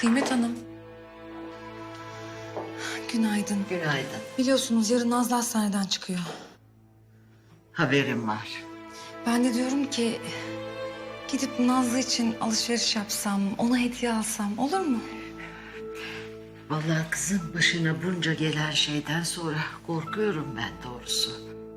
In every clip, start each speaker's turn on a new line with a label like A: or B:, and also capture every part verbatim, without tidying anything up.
A: Kıymet Hanım. Günaydın.
B: Günaydın.
A: Biliyorsunuz yarın Nazlı hastaneden çıkıyor.
B: Haberim var.
A: Ben de diyorum ki gidip Nazlı için alışveriş yapsam, ona hediye alsam olur mu?
B: Vallahi kızın başına bunca gelen şeyden sonra korkuyorum ben doğrusu.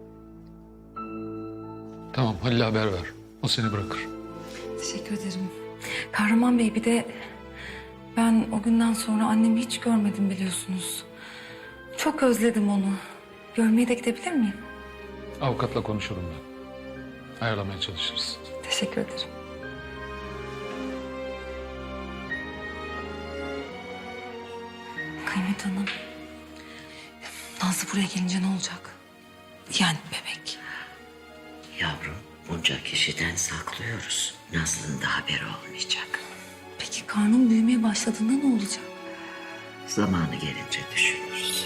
C: Tamam, Halil'e haber ver. O seni bırakır.
A: Teşekkür ederim. Kahraman Bey, bir de ben o günden sonra annemi hiç görmedim biliyorsunuz. Çok özledim onu. Görmeye de gidebilir miyim?
C: Avukatla konuşurum ben. Ayarlamaya çalışırız.
A: Teşekkür ederim. Kıymet Hanım. Nazlı buraya gelince ne olacak? Yani bebek.
B: Yavrum, bunca kişiden saklıyoruz. Nazlı'nın da haberi olmayacak.
A: Peki karnım büyümeye başladığında ne olacak?
B: Zamanı gelince düşünürüz.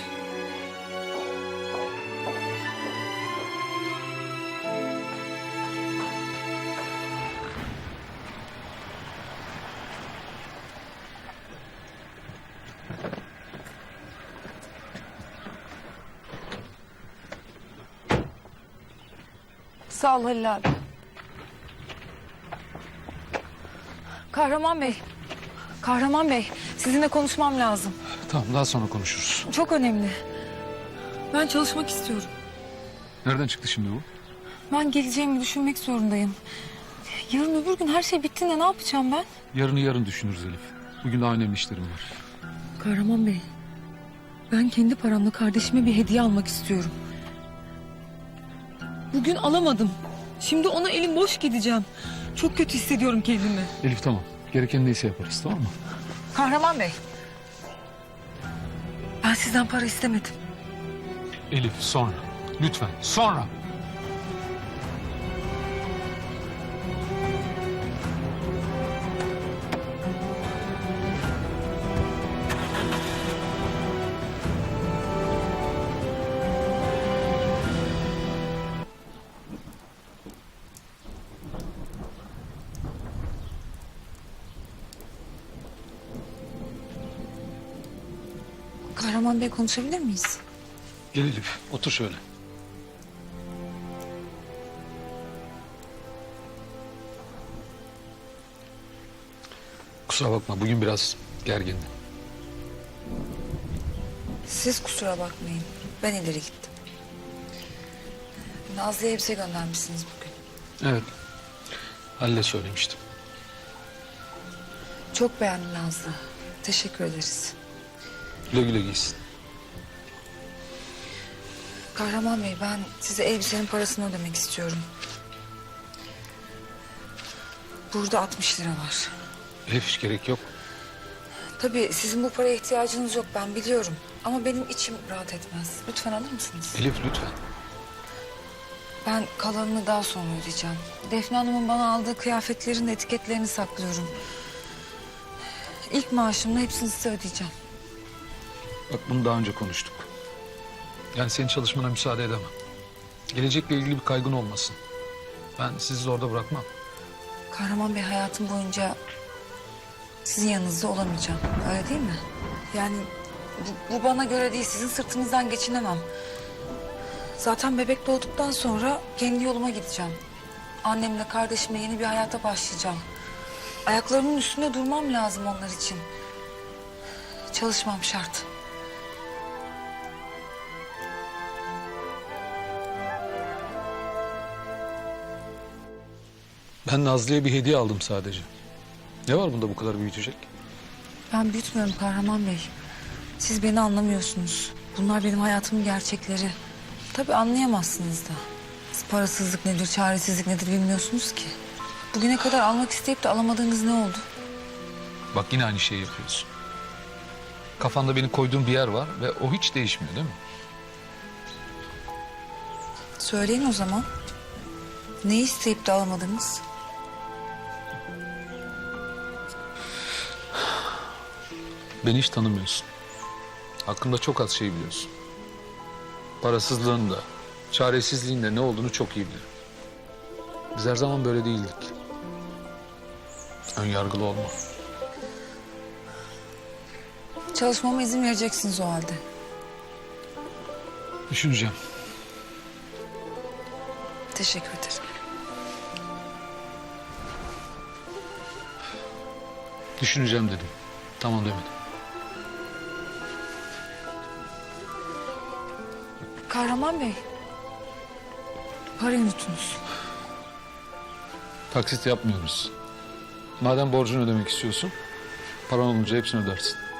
A: Sağ ol Halil abi. Kahraman Bey. Kahraman Bey, sizinle konuşmam lazım.
C: Tamam, daha sonra konuşuruz.
A: Çok önemli. Ben çalışmak istiyorum.
C: Nereden çıktı şimdi bu?
A: Ben geleceğimi düşünmek zorundayım. Yarın öbür gün her şey bittiğinde ne yapacağım ben?
C: Yarını yarın düşünürüz Elif. Bugün daha önemli işlerim var.
A: Kahraman Bey, ben kendi paramla kardeşime bir hediye almak istiyorum. Bugün alamadım. Şimdi ona elim boş gideceğim. Çok kötü hissediyorum kendimi.
C: Elif tamam. Gereken neyse yaparız, tamam mı?
A: Kahraman Bey, ben sizden para istemedim.
C: Elif sonra. Lütfen sonra.
A: Kahraman Bey, konuşabilir miyiz?
C: Gel Elif, otur şöyle. Kusura bakma, bugün biraz gergindim.
A: Siz kusura bakmayın. Ben ileri gittim. Nazlı'ya elbise göndermişsiniz bugün.
C: Evet, Halil'e söylemiştim.
A: Çok beğendim Nazlı. Teşekkür ederiz.
C: Güle güle giysin.
A: Kahraman Bey, ben size elbisenin parasını ödemek istiyorum. Burada altmış lira var.
C: Elif hiç gerek yok.
A: Tabii sizin bu paraya ihtiyacınız yok, ben biliyorum. Ama benim içim rahat etmez. Lütfen alır mısınız?
C: Elif lütfen.
A: Ben kalanını daha sonra ödeyeceğim. Defne Hanım'ın bana aldığı kıyafetlerin de etiketlerini saklıyorum. İlk maaşımla hepsini size ödeyeceğim.
C: Bak bunu daha önce konuştuk. Yani senin çalışmana müsaade edemem. Gelecekle ilgili bir kaygın olmasın. Ben sizi orada bırakmam.
A: Kahraman Bey, hayatım boyunca sizin yanınızda olamayacağım. Öyle değil mi? Yani bu, bu bana göre değil. Sizin sırtınızdan geçinemem. Zaten bebek doğduktan sonra kendi yoluma gideceğim. Annemle kardeşimle yeni bir hayata başlayacağım. Ayaklarımın üstünde durmam lazım onlar için. Çalışmam şart.
C: Ben Nazlı'ya bir hediye aldım sadece. Ne var bunda bu kadar büyütecek?
A: Ben büyütmüyorum Kahraman Bey. Siz beni anlamıyorsunuz. Bunlar benim hayatımın gerçekleri. Tabii anlayamazsınız da. Siz parasızlık nedir, çaresizlik nedir bilmiyorsunuz ki. Bugüne kadar almak isteyip de alamadığınız ne oldu?
C: Bak yine aynı şeyi yapıyorsun. Kafanda beni koyduğun bir yer var ve o hiç değişmiyor değil mi?
A: Söyleyin o zaman. Ne isteyip de alamadınız?
C: Beni hiç tanımıyorsun. Hakkında çok az şey biliyorsun. Parasızlığın da, çaresizliğin de ne olduğunu çok iyi bilirim. Biz her zaman böyle değildik. Ön yargılı olma.
A: Çalışmama izin vereceksiniz o halde.
C: Düşüneceğim.
A: Teşekkür ederim.
C: Düşüneceğim dedim. Tamam demedim.
A: Kahraman Bey. Parayı unuttunuz.
C: Taksit yapmıyoruz. Madem borcunu ödemek istiyorsun, paran olunca hepsini ödersin.